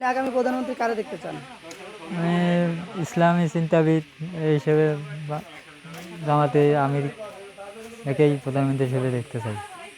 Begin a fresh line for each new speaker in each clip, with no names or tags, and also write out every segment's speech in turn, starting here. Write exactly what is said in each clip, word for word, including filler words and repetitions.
আগামী প্রধানমন্ত্রী কারে দেখতে চান?
মানে ইসলামী চিন্তাবিদ হিসেবে বা- জামাতে আমির একেই প্রধানমন্ত্রী হিসেবে দেখতে চাই।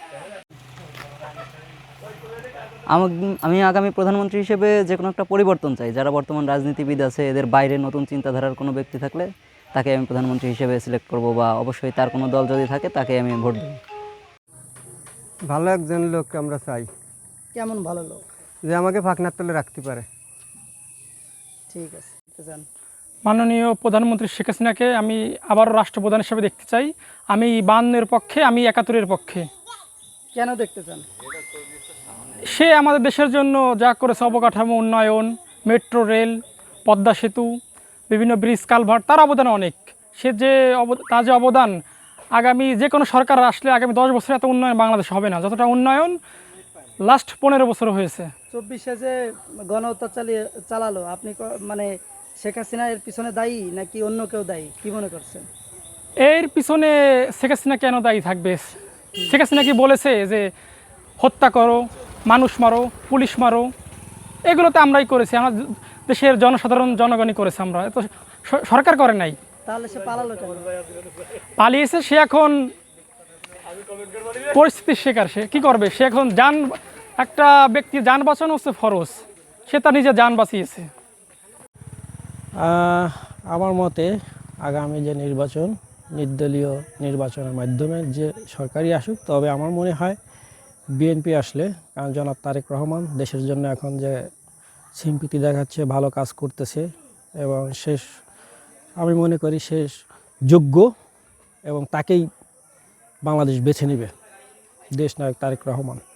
আমাগ- আমি আগামী প্রধানমন্ত্রী হিসেবে যে কোনো একটা পরিবর্তন চাই। যারা বর্তমান রাজনীতিবিদ আছে এদের বাইরে নতুন চিন্তাধারার কোনো ব্যক্তি থাকলে তাকে আমি প্রধানমন্ত্রী হিসেবে সিলেক্ট করব, বা অবশ্যই তার কোনো দল যদি থাকে তাকে আমি ভোট দেবো।
ভালো একজন লোককে আমরা চাই,
কেমন ভালো লোক?
যে আমাকে ফাঁকনার তলে রাখতে পারে।
ঠিক আছে, দেখতে চান।
মাননীয় প্রধানমন্ত্রী শেখ হাসিনাকে আমি আবারও রাষ্ট্রপ্রধান হিসেবে দেখতে চাই। আমি বায়ান্নের পক্ষে, আমি একাত্তরের পক্ষে।
কেন দেখতে চান?
সে আমাদের দেশের জন্য যা করেছে, অবকাঠামো উন্নয়ন, মেট্রো রেল, পদ্মা সেতু, বিভিন্ন ব্রিজ কালভার্ট, তার অবদান অনেক। সে যে অব- তার যে অবদান, আগামী যে কোনো সরকার আসলে আগামী দশ বছরে এত উন্নয়ন বাংলাদেশ হবে না যতটা উন্নয়ন লাস্ট পনেরো বছর হয়েছে।
চব্বিশে যে গণহত্যা চালিয়ে চালালো, আপনি ক- মানে শেখ হাসিনা এর পিছনে দায়ী নাকি অন্য কেউ দায়ী, কি মনে করছেন?
এর পিছনে শেখ হাসিনা কেন দায়ী থাকবে? শেখ হাসিনা কি বলেছে যে হত্যা করো, মানুষ মারো, পুলিশ মারো? এগুলো তো আমরাই করেছি, আমার দেশের জনসাধারণ জনগণই করেছে, আমরা তো স- সরকার করে নাই।
তাহলে সে পালালো কেন?
পালিয়েছে সে, এখন পরিস্থিতির শিকার। সে কী করবে? সে এখন যান, একটা ব্যক্তি যান বাঁচানো হচ্ছে ফরজ, সে তার নিজের যান বাঁচিয়েছে।
আহ, আমার মতে আগামী যে নির্বাচন, নির্দলীয় নির্বাচনের মাধ্যমে যে সরকারি আসুক, তবে আমার মনে হয় বিএনপি আসলে, কারণ জনাব তারেক রহমান দেশের জন্য এখন যে সিম্পিতি দেখাচ্ছে, ভালো কাজ করতেছে, এবং শেষ আমি মনে করি শেষ যোগ্য, এবং তাকেই বাংলাদেশ বেছে নেবে, দেশ নায়ক তারেক রহমান।